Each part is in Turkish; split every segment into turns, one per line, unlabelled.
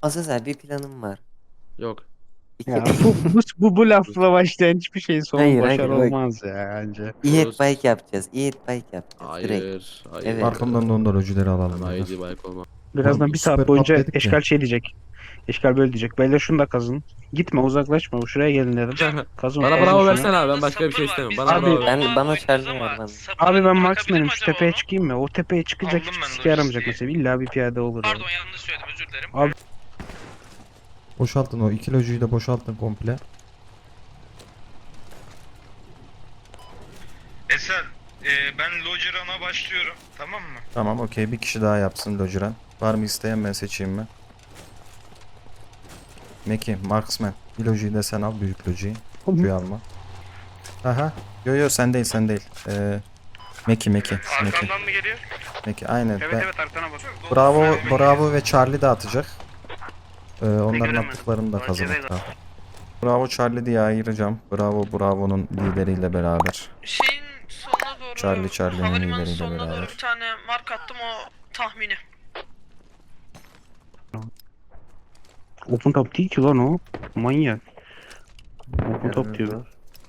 Azazel bir planım var.
Yok.
İki...
Ya bu lafla başlayan hiçbir şeyin sonu
Hayır
başarı
hayır bak.
olmaz ya bence.
İyet
Rus.
bike yapacağız. İyet bike yapacağız direkt.
Hayır. Hayır.
Evet.
Arkamdan da ondan öcüleri
Ben
alalım beyler.
ID bike olmam.
Birazdan bir saat
Süper
boyunca
patladık
eşkal
ya.
şey diyecek. Eşkal böyle diyecek. Beyler şunu da kazın. Gitme uzaklaşma. Şuraya gelin dedim. Kazın
Bana
kazın
bravo
şunu.
versene abi. Ben başka bir şey istemiyorum. Bana
Abi,
bravo ver.
Bana Charlie ver bana.
Abi ben marksman'ım. Şu tepeye çıkayım mı? O tepeye çıkacak
Aldım
hiçbir
ben
sike yaramayacak
lojistiği.
mesela. İlla bir piyade olur yani.
Pardon yanlış söyledim özür dilerim.
Abi-
Boşaltın o iki lojuyu da boşaltın komple.
Eser ben Logeron'a başlıyorum tamam mı?
Tamam okey, bir kişi daha yapsın lojuran. Var mı isteyen, ben seçeyim mi? Meki, Marksman. Bir lojuyu da sen al, büyük lojuyu. Şuyu alma. Aha. Yo sen değil sen değil. Meki. Meki.
Arkamdan mı geliyor?
Meki aynen.
Evet evet arkana bak.
Bravo ve Charlie de atacak. Onların
Bekledim.
attıklarını da
Acele
kazanacak.
et.
Tamam. Bravo Charlie diye ayıracağım. Bravo'nun lideriyle beraber.
Şeyin sonuna doğru
Charlie'nin
havalimanı
lideriyle
sonuna doğru
beraber.
bir tane mark attım o tahmini.
Open top değil ki lan o. Manyak. Open top diyor.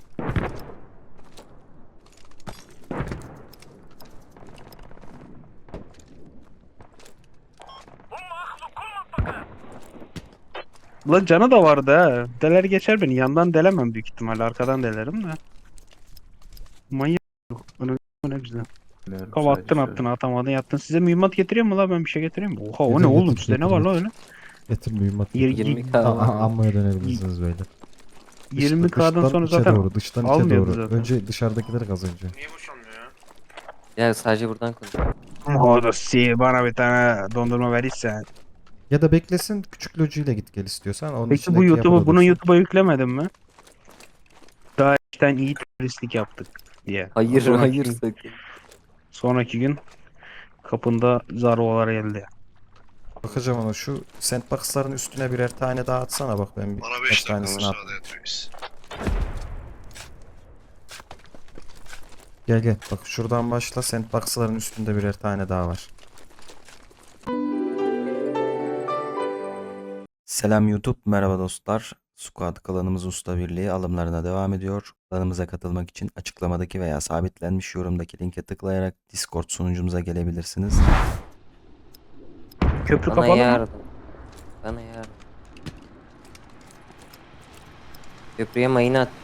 Lan canı da vardı ha. Deler geçer beni. Yandan delemem büyük ihtimalle. Arkadan delerim de. Manyak. Ne güzel. Kava attın atamadın yattın. Size mühimmat getireyim mi la, ben bir şey getireyim mi? Oha o
Getir,
ne oğlum,
getir,
sizde ne
getir,
var la
getir.
öyle?
Getir mühimmat.
Yer-
20k var.
Amma'ya dönebilirsiniz böyle.
20K'dan sonra
içe
zaten
doğru, dıştan içe
almıyordu
doğru.
zaten.
Önce dışarıdakileri kaz önce.
Niye boşanmıyor ya?
Ya sadece buradan konuş.
Modossi bana bir tane dondurma verirsen.
Ya da beklesin, küçük lojuyla git gel istiyorsan. Onun
Peki
içindeki
bu
yapıda
YouTube'u bunu
dursun.
YouTube'a yüklemedin mi? Daha işten iyi teröristlik yaptık diye.
Hayır
Sonraki
hayır
gün-
sakın.
Sonraki gün kapında zarvalar geldi.
Bakacağım ona, şu sandbox'ların üstüne birer tane daha atsana, bak ben
Bana
birkaç
5 dakika
tanesini at.
müsaade et reis.
Gel bak şuradan başla, sandbox'ların üstünde birer tane daha var. Selam YouTube, merhaba dostlar. Squad klanımız Usta Birliği alımlarına devam ediyor. Klanımıza katılmak için açıklamadaki veya sabitlenmiş yorumdaki linke tıklayarak Discord sunucumuza gelebilirsiniz.
Köprü
Bana
kapalı mı?
yardım. Bana yardım. Köprüye mayını attım.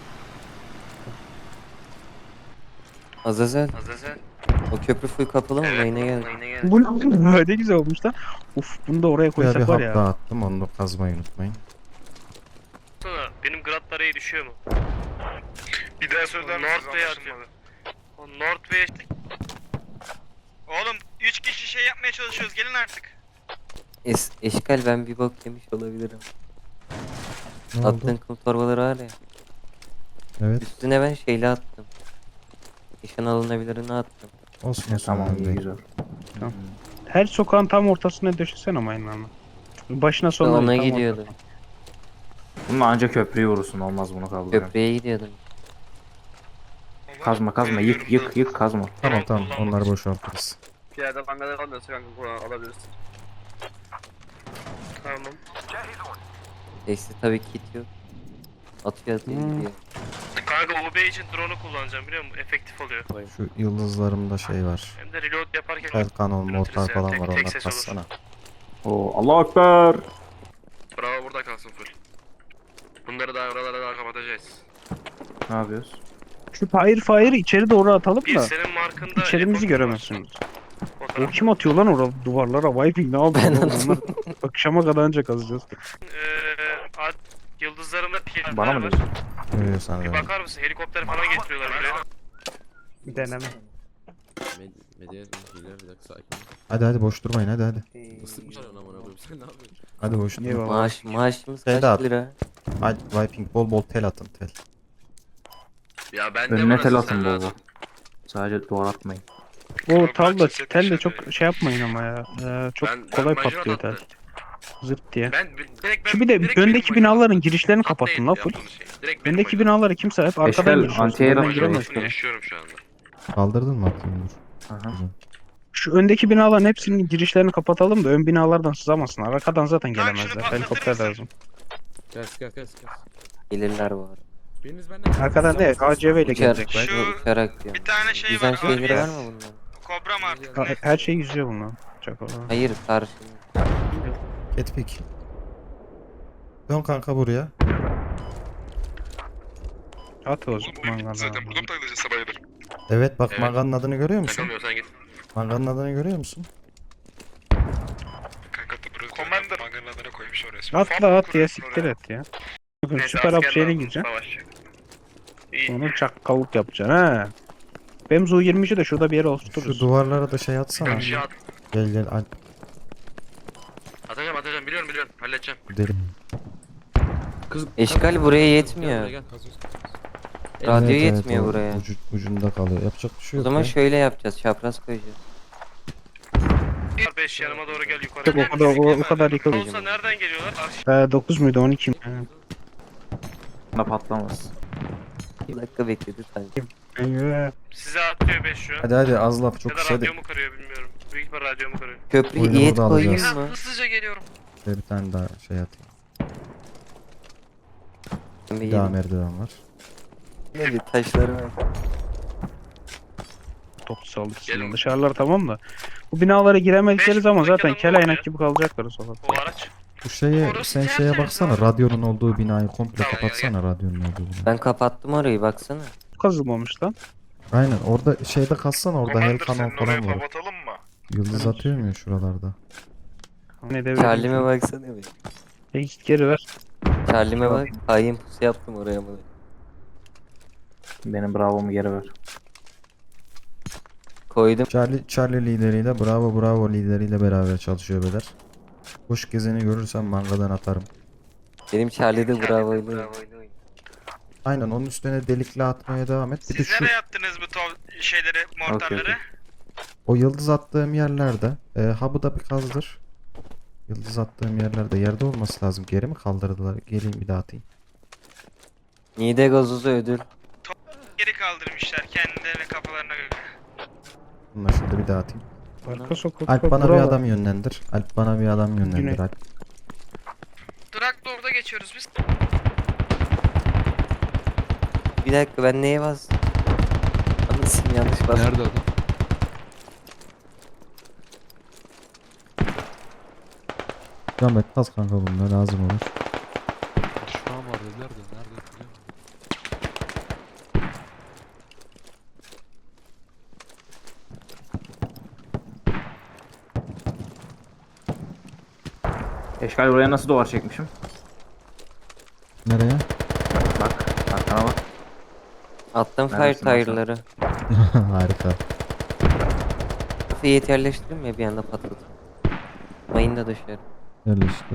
Azazel. O köprü full kapalı mı? Mayına geldi.
Bu ne güzel olmuş lan. Uf bunu da oraya
Buraya bir
koysak var
hap
ya.
daha attım, onu da kazmayı unutmayın.
Benim grad parayı düşüyor mu?
Bir daha söyler misiniz
North Bay
anlaşılmadı.
O North Bay
Oğlum 3 kişi şey yapmaya çalışıyoruz gelin artık.
Eşkal ben bir bok yemiş olabilirim.
Ne oldu?
Attığın kum torbaları var ya.
Evet,
Üstüne ben şeyle attım. Nişan alınabilirini attım.
olsun önemli değil.
Her sokağın tam ortasına döşesene mayınlarını. Başına sonuna
Ona
tam
gidiyordum.
Bununla ancak köprüyü vurursun, olmaz bunu kaldır.
Köprüye gidiyordum.
Kazma yık kazma.
Tamam onları boşaltırız.
Piyade bangalar almıyorsa kanka bunu alabilirsin. Tamam.
Eksi tabii kit yok. Atıyor gidiyor.
Kanka UB için drone'u kullanacağım biliyor musun? Efektif oluyor.
Şu yıldızlarımda şey var.
Hem de reload yaparken
El kanon, mortar
yani,
falan
tek-
var,
tek
onlar
ses olur.
kassana.
Oo, Allahu Ekber.
Bravo burada kalsın full. Bunları daha oralara daha kapatacağız.
Ne yapıyoruz?
Şu fire'ı içeri doğru atalım
Bir
da
senin markında
içerimizi
report
göremezsiniz.
var.
O
Fotoğraf.
kim atıyor lan orada duvarlara? Viping ne yapıyor? oğlum? Onlar akşama kadar ancak kazacağız.
Yıldızlarımda piyadeler
Bana mı
var.
diyorsun?
Öyle sana
Bir
da.
bakar mısın? Helikopter falan getiriyorlar buraya.
Bir deneme.
Medya hileler, bir dakika sakin ol.
Hadi boş durmayın, hadi.
Islık mı çalıyorsun amına koyayım, sen ne yapıyorsun?
Hadi boş durmayın.
Eyvallah.
Maaşımız
Tel
kaç
at.
lira?
Hadi Viping, bol tel atın, tel.
Ya ben de
Önüne tel
burası,
atın
sen
bol
rahat
bol.
ol.
Sadece duvar atmayın.
O talla telle çok şey yapmayın ama ya. Çok
Ben
kolay
majör
patlıyor tel.
attım.
Zırt diye.
Direkt
Şu bir de
direkt
öndeki
benim
binaların
majör.
girişlerini kapattın la full.
Yaptığınız şey. Direkt benim
Öndeki
majör.
binaları kimse hep arkadan
Eşkal,
giriyor.
anti-air
Önden
atıyor.
giremez
Hepsini
tabii.
yaşıyorum şu anda.
Kaldırdın mı atayım dur.
Aha.
Şu öndeki binaların hepsinin girişlerini kapatalım da ön binalardan sızamazsınlar. Arkadan zaten
Kanka şunu
gelemezler.
patlatır
Helikopter
mısın?
lazım.
Kes.
Gelirler bu arada.
Biriniz benden
Arkadan değil, ACV ile
Uçar,
gelecekler.
Şu-
uçarak diyorum.
Bir tane şey
Yüzen
var.
şeyleri var
ABS.
mı bunların?
Kobra mı artık?
Ha-
Ne?
Her şey yüzüyor bunlar. Çok olan.
Hayır karşında.
Etpik. Dön kanka buraya.
At o zaman mangalda.
Zaten buradan takılacağız sabahları.
Evet bak
Evet.
manganın adını görüyor musun?
Takılmıyorsan git.
Manganın adını görüyor musun?
Kanka burası
Commander.
Manganın adını koymuş oraya.
Atla at ya siktir et ya. Bakın süper upgrade'e gireceksin.
Savaş.
Onu çakkallık yapacaksın ha. Benim Zu-23'ü de şurada bir yere
Şu
oturturuz.
duvarlara da şey atsana.
Bir şey at.
Gel Alp
Atacağım biliyorum halledeceğim.
gidelim.
Kız,
Eşkal buraya yetmiyor.
Gel, gel.
Radyo
Evet,
yetmiyor
o
buraya.
ucunda kalıyor. Yapacak bir şey
O
yok
zaman
ya.
şöyle yapacağız. Çapraz koyacağız.
5 yanıma doğru gel yukarı.
Yok, o kadar yıkılır.
Olsa nereden geliyorlar?
9 muydu 12 mi?
Bana patlamaz.
Bir dakika bekledi sanki.
Eyvah.
Size atıyor 5 şu an.
Hadi az laf
Ya
çok
da
kısa de.
radyomu kırıyor bilmiyorum. Büyük ihtimal radyomu kırıyor.
Köprüyü
Oyunu
iyi et
burada
koyayım
alacağız.
mı?
Hızlıca geliyorum.
Bir tane daha şey atayım.
Bir
Bir daha
yerim.
merdiven var.
Ne bir taşları var.
Top saldırısından.
Gelin.
Dışarılar tamam da. Bu binalara giremedikleri
Beş
zaman
buradaki
zaten
adam
kel
ne
aynak
oluyor?
gibi kalacaklar o sokakta.
O araç.
Bu şeye
Orası
sen şeye
tertemiz
baksana
abi.
radyonun olduğu binayı komple
Tamam,
kapatsana radyonun olduğu binayı.
Ben kapattım orayı baksana.
Kazılmamış lan.
Aynen orada şeyde kalsana orada hel kanal falan var.
kapatalım mı?
Yıldız atıyor mu ya şuralarda?
Ne de
Charlie'me baksana bir.
Git geri ver.
Charlie'me bak. Hain pusu yaptım oraya mı?
Benim bravomu geri ver.
Koydum.
Charlie lideriyle Bravo lideriyle beraber çalışıyor beyler. Kuş gezeni görürsem mangadan atarım.
Benim Charlie'de bravo'ydu.
Aynen onun üstüne delikli atmaya devam et. Bir de
Siz
şu
nereye attınız bu şeyleri, mortarları?
okey.
o yıldız attığım yerlerde hub'ı da bir kazdır. Yıldız attığım yerlerde yerde olması lazım. Geri mi kaldırdılar? Geleyim bir daha atayım.
Nide gazozu ödül.
Geri kaldırmışlar kendilerine kafalarına göre.
Bunları şurada bir daha atayım.
Arka sokakta.
Alp bana bir
buralar.
adam yönlendir. Alp bana bir adam yönlendir
Güney.
Alp.
Drakla orada geçiyoruz biz.
Bir dakika ben neye bastım? Anlasın yanlış bastım.
Nerede adam?
Ahmet kas kanka bunlar lazım olur.
Düşman var dediler de nerede biliyor musun?
Eşkal buraya nasıl duvar çekmişim?
Nereye?
Bak. Arkana bak.
Attım fire
Neredesin lan sen?
tire'ları.
Harika.
Fiyat yerleştirdim ya bir anda patladı. Mayın da dışarı.
Yerleştir.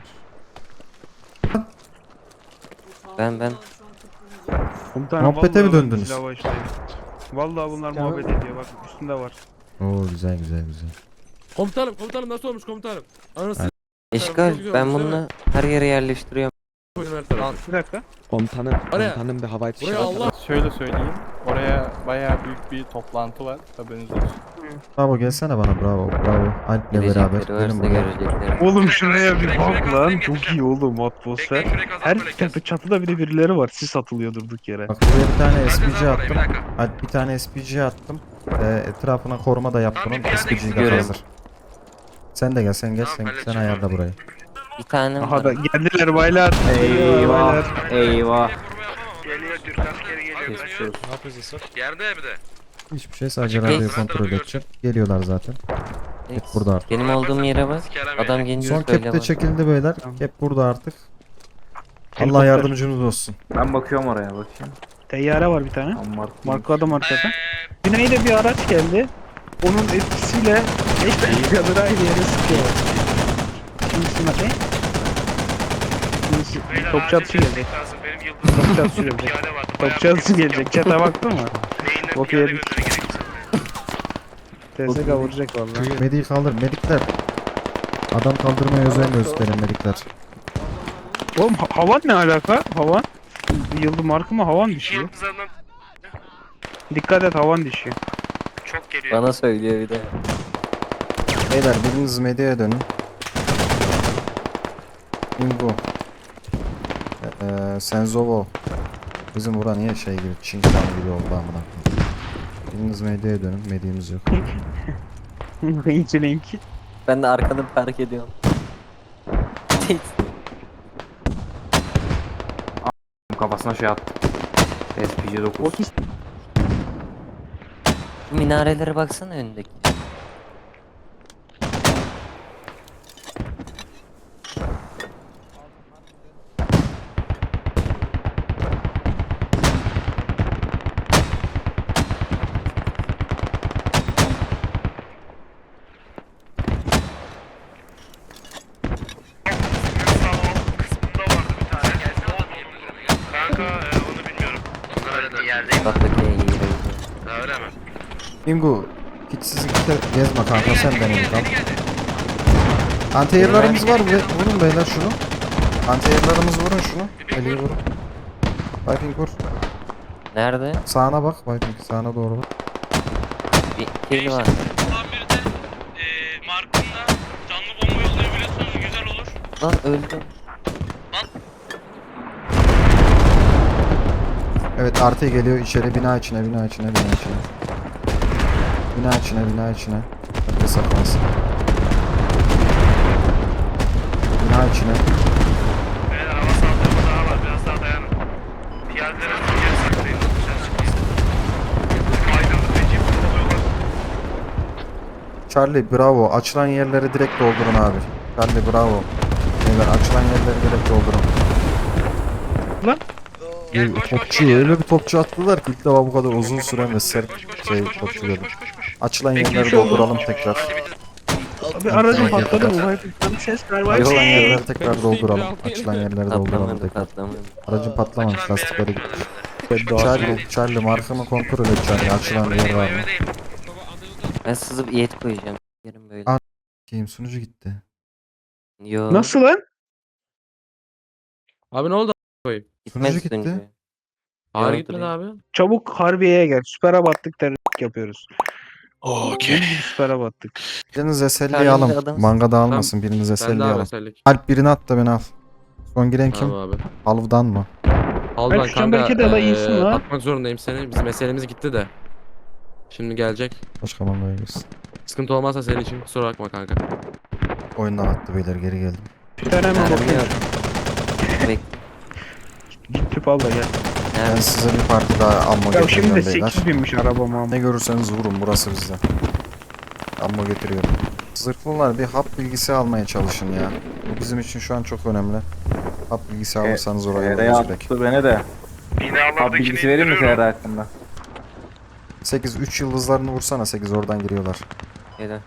Ben.
Komutanım,
Muhabbete mi
vallahi
döndünüz?
silah var işte. Vallahi bunlar muhabbet ediyor bak üstünde var.
Oo güzel.
Komutanım nasıl olmuş komutanım? Anasını
Eşkal
güzel
ben
olmuş, değil
bunu her yere yerleştiriyorum.
koyun her tarafı.
Bir dakika.
Komutanım,
Oraya-
komutanım bir havai fişeği
Buraya
var.
Allah.
Şöyle söyleyeyim. Oraya bayağı büyük bir toplantı var. Haberiniz olsun.
Bravo gelsene bana bravo. Alp'le beraber.
Gelecekleri
Gelin
varsa
buraya.
görecekleri.
Oğlum şuraya bir
Şuraya
bak lan.
kazanayım,
Çok
getireceğim.
iyi oğlum atmosfer.
Bekleyin şuraya kazan
Her
böyle kes.
çatıda bir de birileri var. Sis atılıyor durduk yere.
Bak buraya bir tane
Herkes
SPG
al buraya, bir
attım.
dakika.
Alp bir tane SPG attım. Etrafına koruma da yaptım.
Tamam, bir piyade
SPG'yi
gitsin,
de
göreyim.
hazır. Sen de gel sen
Tamam,
sen
halledeceğim
ayarla
abi.
burayı.
Bir tane
Aha
var.
da geldiler baylar.
Eyvah.
Baylar.
Eyvah.
Geliyor Türk askeri geliyor.
Geçiyoruz.
Ne yapıyorsun sen?
Yerde bir de.
Hiçbir şey sadece
Açık
radyoyu
değil.
kontrol edeceğim. Geliyorlar zaten. Hep burada artık.
Benim olduğum yere bak.
Sikerem
Adam
yani.
gelince
Son
söyle
kep de
bana.
çekildi beyler. Kep burada artık. Allah
Helikopter.
yardımcımız olsun.
Ben bakıyorum oraya bakayım.
Teyyare var bir tane.
Ammar.
Markladım arkadan. Güneyde bir araç geldi. Onun etkisiyle 5 dakikadır aynı yere sıkıyor. Kimisine ne? Kimisi
Beyler,
topçu
acil
atışı gelecek.
destek lazım. Benim yıldızım
Topçu atışı gelecek.
piyade vardı. Bayağı
Topçu atışı gelecek. Çete baktın mı?
Beyinden
Bok
piyade
yedik.
gözleri gerekirse.
TSK vuracak vallahi.
Mediği kaldır. Medikler. Adam kaldırmaya özen gösterin medikler.
Oğlum havan ne alaka? Havan? Yıldız markı mı havan düşüyor?
Yıldızlarından
Dikkat et havan düşüyor.
çok geliyor.
Bana söylüyor bir de.
Beyler biriniz medyaya dönün. Bingo. Senzovo. Bizim bura niye şey gibi, Çinkan gibi oldu amına. Biriniz medyaya dönün. Medyamız yok.
İyice link.
Ben de arkadan fark ediyorum.
Kafasına şey attı. SPC 9.
Minarelere baksana önündeki.
Kanka onu bilmiyorum.
Baktaki iyi.
Ha öyle mi?
Bingo. Hiç sizinki de gezme kanka, sen benim kal. Antiyerlarımız var. Vurun beyler şunu. Antiyerlarımız, vurun şunu. Eliyi vurun. Viking vur.
Nerede?
Sağına bak Viking. Sağına doğru bak.
Bir kill var.
Tamir de markında canlı bomba yollayabiliyorsanız güzel olur.
Lan öldüm.
Evet, artı geliyor içeri, bina içine. Bina içine. Herkes saklansın. Bina içine.
Beyler hava saldırımız daha var, biraz daha dayanın. Piyadelere geri saklayın, dışarı çıkmayın. Aydınlık Recep oluyorlar.
Charlie bravo. Açılan yerleri direkt doldurun abi. Charlie bravo. Beyler açılan yerleri direkt doldurun.
Lan.
Gel, koş,
Topçu öyle bir topçu attılar ki ilk defa bu kadar uzun süren ve sert topçu dedim. Açılan yerleri dolduralım tekrar.
Abi aracım patladı mı? Bir ses ver var.
Açılan yerleri
Ben
tekrar
üstteyim,
dolduralım.
bir
Açılan yerleri dolduralım
Patlamadı
tekrar.
patlamadı.
Aracın patlamamış, lastikleri gitti.
Charlie.
Charlie markamı kontrol et Charlie. Açılan bir yer var mı?
Ben sızıp iyet koyacağım. Yerim böyle.
Aa. Kim sunucu gitti.
Yo.
Nasıl lan?
Abi ne oldu?
Gitmez
Sunucu gitti.
sunucu.
Ağır
Yo,
gitmedi
duruyor.
abi.
Çabuk Harbiye'ye gel. Süper'e battık terörist yapıyoruz. Okey. Süper'e battık.
Biriniz SL'yi
Charlie'nin
alın.
adamı-
Manga da almasın. Biriniz
Ben
SL'yi
de abi
alın.
mesellik.
Alp birini at da beni al. Son giren kim?
Tamam abi.
Halvdan mı?
Aldan
şu çemberdeki de la iyisin la.
atmak zorundayım seni. Bizim meselemiz gitti de. Şimdi gelecek.
Başka mangaya girsin.
Sıkıntı olmazsa senin için kusura bakma kanka.
Oyundan attı beyler, geri geldim.
Ben hemen
Mermi
bakıyorum.
yok. Bekle.
Git tüp al da gel.
Ben
Nerede?
size bir parti daha ammo
Ya
getiriyorum
şimdi de
beyler.
8 binmiş arabama.
Ne görürseniz vurun, burası bizde. Ammo getiriyorum. Zırhlılar bir hap bilgisi almaya çalışın ya. Bu bizim için şu an çok önemli. Hap bilgisi alırsanız oraya
Nereye
alırız belki.
attı beni de. Abi
Binalardakini
bilgisi vereyim mi
indiriyorum.
Ferhat hakkında?
8 3 yıldızlarını vursana, 8 oradan giriyorlar.
Gel.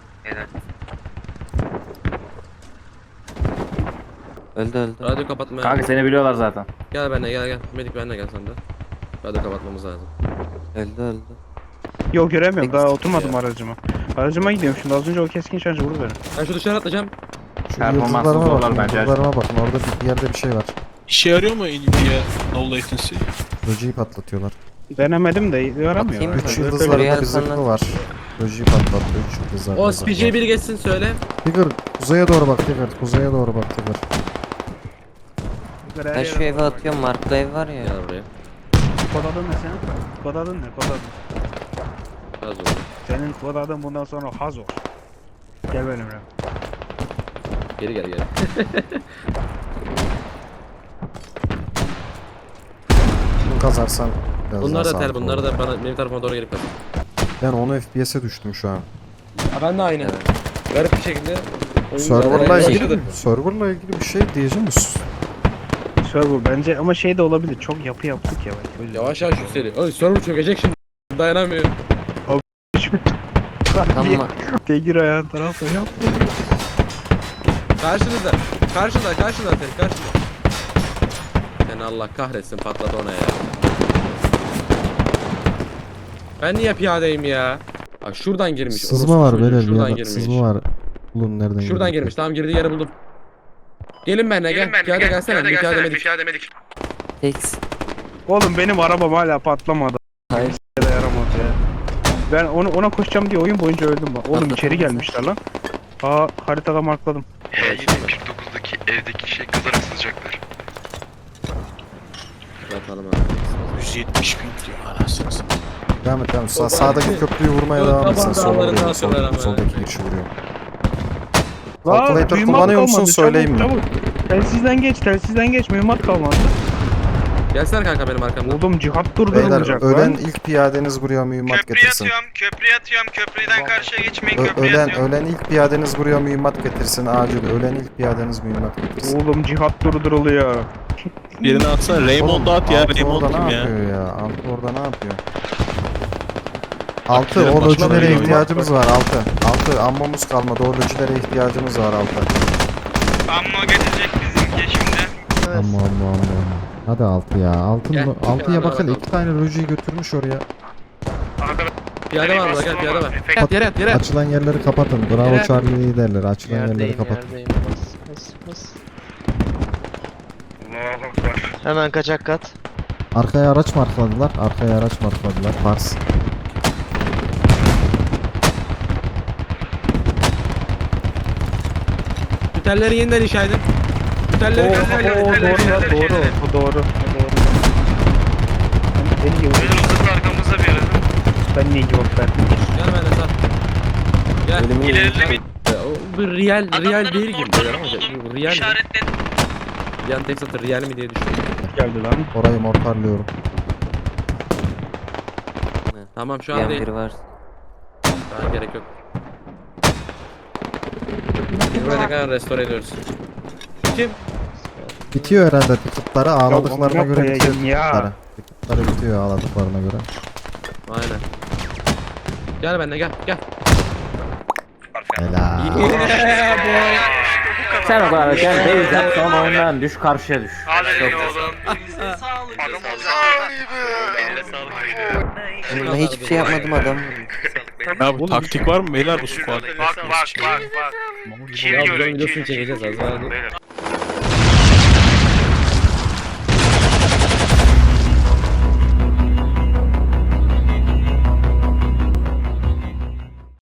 Öldü.
Radyo kapatma.
Kanka seni biliyorlar zaten.
Gel benimle gel. Medik benimle gel sen de. Radyo kapatmamız lazım.
Öldü.
Yok göremiyorum, daha
Peki.
oturmadım aracıma. Aracıma gidiyorum şimdi, az önce o keskin şarjı vurdu beni.
Ben şu dışarı atlayacağım.
Şu
Performanslı
yıldızlarıma
zorlar
bakın,
bence.
yıldızlarıma bakın. Orada bir yerde bir şey var.
İşe yarıyor mu Nvidia no latency?
Lojiyi patlatıyorlar.
Denemedim de yaramıyor.
Bakayım.
3
Öyle
yıldızlarda
bir
bir zırhlı var. Lojiyi patlattı, 3 yıldızlarda.
O
zırhlı var.
SPC'ye biri geçsin söyle.
Tigger kuzeye doğru bak Tigger. Kuzeye doğru bak Tigger.
Ben şu eve atıyorum. Marklı ev var ya.
Gel buraya.
Kod adın ne senin? Kod adın ne? Kod adın.
Az oldu.
Senin kod adın bundan sonra Hazor. Gel benimle.
Geri gel.
Bunu kazarsan biraz
Bunlar
daha
da tel,
sağlıklı
bunları
olur.
da bana benim tarafıma doğru gelip kalsın.
Ben 10 FPS'e düştüm şu an.
Ben de aynı. Garip bir şekilde.
Serverla
Oyun-
ilgili, serverla ilgili bir şey diyeceğim mi?
Server bence ama şey de olabilir. Çok yapı yaptık ya. Bak, öyle.
Yavaş yavaş yükseliyor. Oy server çökecek şimdi. Dayanamıyor.
Tamam.
Tegir ayağın tarafta yap.
Karşınızda. Karşında senin karşında. Seni Allah kahretsin patladı ona ya. Ben niye piyadeyim ya? Bak şuradan girmiş.
Sızma
orospu
var
çocuğu,
böyle bir
şuradan
yerden.
girmiş.
Sızma var. Bulun nereden
Şuradan
girdi?
girmiş. Tamam girdiği yeri buldum. Gelin benimle gel. Piyade gelsene. Bir piyade medik.
Tek.
Oğlum benim arabam hala patlamadı.
Hayır.
Ya da yaramadı ya. Ben ona koşacağım diye oyun boyunca öldüm bak. Oğlum
Patlatamazsın.
içeri gelmişler lan. Aa haritada markladım.
H49'daki evdeki şey kızarak sızacaklar.
Yatalım abi.
170 bin diyor anasını satayım.
Devam et devam et. Sağdaki köprüyü vurmaya
Yok,
devam etsin.
tabanca
Sola
alırız,
vuruyor.
atıyorlar ama.
Soldaki girişi vuruyor.
Aa,
Calculator
mühimmat
kullanıyor musun?
kalmadı.
Söyleyeyim mi?
Çabuk. Telsizden geç. Mühimmat kalmadı.
Gelsene kanka benim arkamdan.
Oğlum cihat
Beyler
durdurulacak
ölen
lan.
ilk piyadeniz buraya mühimmat getirsin.
Köprüye atıyorum. Köprüden karşıya geçmeyin.
Ölen ilk piyadeniz buraya mühimmat getirsin acil. Ölen ilk piyadeniz mühimmat getirsin.
Oğlum cihat durduruluyor.
Birini atsana Raymond'a at ya.
Altı
Raymond
orada
kim
ne
ya?
yapıyor ya? Altı orada ne yapıyor? Altı
Akşener
o
başına
lojilere
dönüyor.
ihtiyacımız var Altı ammomuz kalmadı. O lojilere ihtiyacımız var Altı.
Ammo getirecek bizimki şimdi.
Amma. Hadi Altı ya.
Gel,
Altıya bakın
bakalım.
2 tane lojiyi götürmüş oraya.
Piyade var burada, gel piyade var. Yat yere yat yere.
Açılan yerleri kapatın. Bravo
Evet.
Charlie liderleri. Açılan yerleri kapatın.
Hemen kaçak kat.
Arkaya araç markladılar. Pars.
Tütelleri yeniden inşa edin. Tütelleri
Oo,
yeniden
doğru. Ben niye
Önümüzde arkamızda bir yere.
Ben niye cevap verdim?
Gel benden sağ. Gel.
İleride bir
Bu real değil gibi böyle ama bu real mi?
İşaretledim.
Yan tek satır real mi diye düşünüyorum.
Geldi lan.
Orayı mortarlıyorum.
Tamam şu an
Yan
değil.
biri var.
Daha gerek yok. Buraya kadar restore ediyoruz. Kim?
Bitiyor herhalde ticketları ağladıklarına
Ya,
göre
ya,
bitiyor
ya.
ticketları. Ticketları bitiyor ağladıklarına göre.
Aynen. Gel benimle gel.
Helal.
Sen o kadar gel beyz yap sonra oyundan düş karşıya düş.
hadi oğlum.
Adam
Eline sağlık.
Ben hiçbir şey yapmadım adam.
Ya bu taktik var mı beyler bu squad?
Bak.
Ya bu videosunu çekeceğiz az daha.